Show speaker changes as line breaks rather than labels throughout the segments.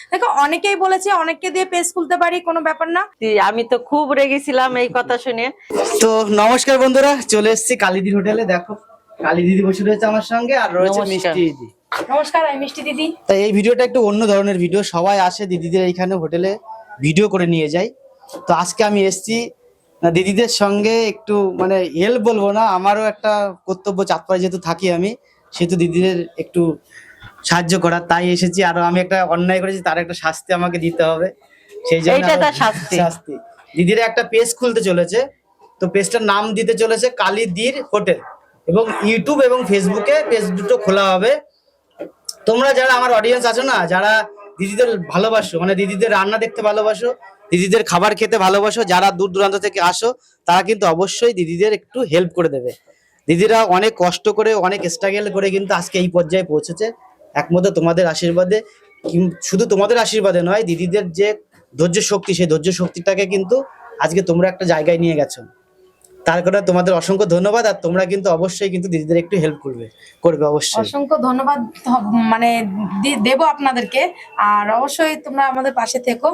দেখো অনেকেই বলেছে অনেককে দিয়ে পেজ খুলতে পারি, কোনো ব্যাপার না।
আমি তো খুব রেগেছিলাম এই কথা শুনে।
তো নমস্কার বন্ধুরা, চলে এসেছি কালীদির হোটেলে। দেখো কালী দিদি বসে রয়েছে আমার সঙ্গে, আর রয়েছে
নমস্কার।
মিষ্টি দিদি।
নমস্কার, আমি মিষ্টি দিদি।
তাই এই ভিডিওটা একটু অন্য ধরনের ভিডিও, সবাই আসে দিদিদের এইখানে হোটেলে ভিডিও করে নিয়ে যায়। তো আজকে আমি এসেছি দিদিদের সঙ্গে একটু মানে হেল্প বলবো না, আমারও একটা কর্তব্য চাঁদপাড়ায় যেহেতু থাকি আমি, সেহেতু দিদিদের একটু সাহায্য করার, তাই এসেছি। আর আমি একটা অন্যায় করেছি, তার একটা শাস্তি আমাকে দিতে হবে, সেই জন্য
এইটা তার শাস্তি।
দিদিরা একটা পেজ খুলতে চলেছে। তো পেজটার নাম দিতে চলেছে কালীদির হোটেল, এবং ইউটিউব এবং ফেসবুকে পেজ দুটো খোলা হবে। তোমরা যারা আমার অডিয়েন্স আছো না, যারা দিদিদের ভালোবাসো, মানে দিদিদের রান্না দেখতে ভালোবাসো, দিদিদের খাবার খেতে ভালোবাসো, যারা দূর দূরান্ত থেকে আসো, তারা কিন্তু অবশ্যই দিদিদের একটু হেল্প করে দেবে। দিদিরা অনেক কষ্ট করে, অনেক স্ট্রাগল করে কিন্তু আজকে এই পর্যায়ে পৌঁছেছে, একমাত্র তোমাদের আশীর্বাদে। শুধু তোমাদের আশীর্বাদে নয়, দিদিদের যে ধৈর্য শক্তি, সেই ধৈর্য শক্তিটাকে কিন্তু আজকে তোমরা একটা জায়গায় নিয়ে গেছো। তার কারণে তোমাদের অসংখ্য ধন্যবাদ। আর তোমরা কিন্তু অবশ্যই কিন্তু দিদিদের একটু হেল্প করবে অবশ্যই।
অসংখ্য ধন্যবাদ মানে দেবো আপনাদেরকে। আর অবশ্যই তোমরা আমাদের পাশে থেকো।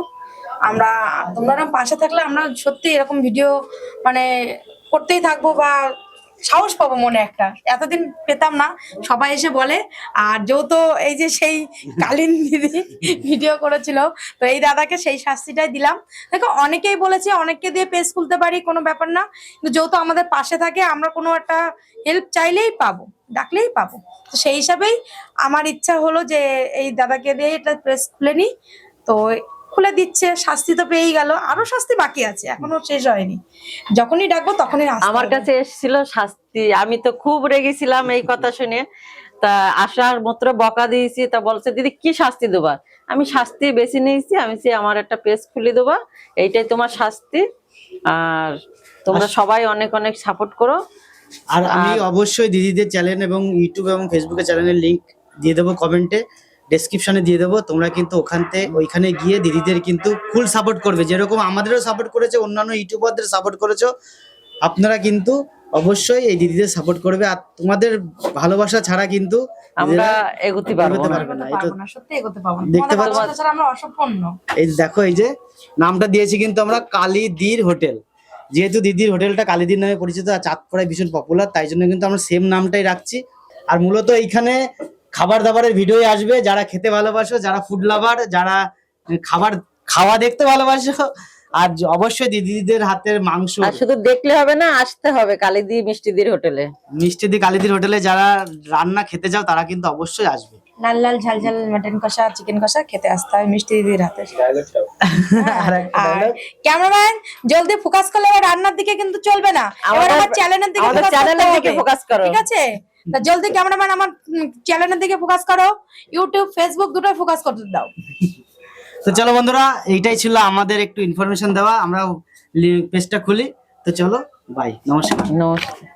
তোমরা পাশে থাকলে আমরা সত্যি এরকম ভিডিও মানে করতেই থাকবো, বা সাহস পাবো মনে একটা, এতদিন পেতাম না। সবাই এসে বলে, আর যেহেতু এই যে সেই কালীন দিদি ভিডিও করেছিল, তো এই দাদাকে সেই শাস্তিটাই দিলাম। দেখো অনেকেই বলেছে অনেককে দিয়ে পেজ খুলতে পারি, কোনো ব্যাপার না। কিন্তু যেহেতু আমাদের পাশে থাকে, আমরা কোনো একটা হেল্প চাইলেই পাবো, ডাকলেই পাবো। তো সেই হিসাবেই আমার ইচ্ছা হলো যে এই দাদাকে দিয়ে এটা পেজ খুলে নি। তো খুলে দিচ্ছে, শাস্তি তো পেয়েই গেল, আরো শাস্তি বাকি আছে, এখনো শেষ হয়নি। যখনই ডাকবো তখনই আসতে
আমার
হবে।
কাছে এসেছিল শাস্তি, আমি তো খুব রেগেছিলাম এই কথা শুনে। তা আসার মাত্র বকা দিয়েছি, তা বলছে দিদি কি শাস্তি দেবা। আমি শাস্তি বেছে নিয়েছি, আমি আমার একটা পেজ খুলে দেবা, এইটাই তোমার শাস্তি। আর তোমরা সবাই অনেক অনেক সাপোর্ট করো।
আর আমি অবশ্যই দিদিদের চ্যানেল এবং ইউটিউব এবং ফেসবুকে চ্যানেলের লিংক দিয়ে দেবো, কমেন্টে ডেসক্রিপশনে দিয়ে দেবো। তোমরা কিন্তু ওইখানে গিয়ে দিদিদের কিন্তু ফুল সাপোর্ট করবে, যেরকম আমাদেরও সাপোর্ট করেছে, অন্যান্য ইউটিউবারদের সাপোর্ট করেছো। আপনারা কিন্তু অবশ্যই এই দিদিদের সাপোর্ট করবে। আর তোমাদের ভালোবাসা ছাড়া কিন্তু
আমরা এগোতে পারবো না।
পারবে না। এই তো
সত্যি এগোতে পারবো না,
দেখতে
তোমাদের
পাচ্ছ,
ভালোবাসা ছাড়া আমরা অসম্পূর্ণ।
এই দেখো এই যে নামটা দিয়েছি কিন্তু আমরা কালীদির হোটেল, যেহেতু দিদির হোটেলটা কালীদির নামে পরিচিত আর চাঁদপাড়ায় ভীষণ পপুলার, তাই জন্য কিন্তু আমরা সেম নামটাই রাখছি। আর মূলত এইখানে খাবার দাবারের ভিডিও আসবে, যারা খেতে ভালোবাসো, যারা ফুড লাভার, যারা খাওয়া দেখতে ভালোবাসো, আর অবশ্যই দিদিদের হাতের মাংস।
আর শুধু দেখলে হবে না, আসতে হবে কালীদি মিষ্টিদির হোটেলে।
মিষ্টিদি কালীদির হোটেলে যারা রান্না খেতে যাও, তারা কিন্তু অবশ্যই আসবে।
লাল লাল ঝাল ঝাল মাটন কষা, চিকেন কষা খেতে আসতে হয় মিষ্টি দিদির হাতে।
আর একটা
আর
dialogue।
ক্যামেরাম্যান জলদি ফোকাস করলে আবার রান্নার দিকে কিন্তু চলবে না, এবার আমার চ্যানেলের দিকে
আমাদের
focus
চ্যানেলের
করতে
দিকে
হবে।
ফোকাস করো।
ঠিক আছে, তা জলদি ক্যামেরাম্যান আমার চ্যানেলের দিকে ফোকাস করো, ইউটিউব ফেসবুক দুটোই ফোকাস করতে দাও।
তো চলো বন্ধুরা, এইটাই ছিল আমাদের একটু ইনফরমেশন দেওয়া। আমরা পেজটা খুলি, তো চলো বাই, নমস্কার।
নমস্কার।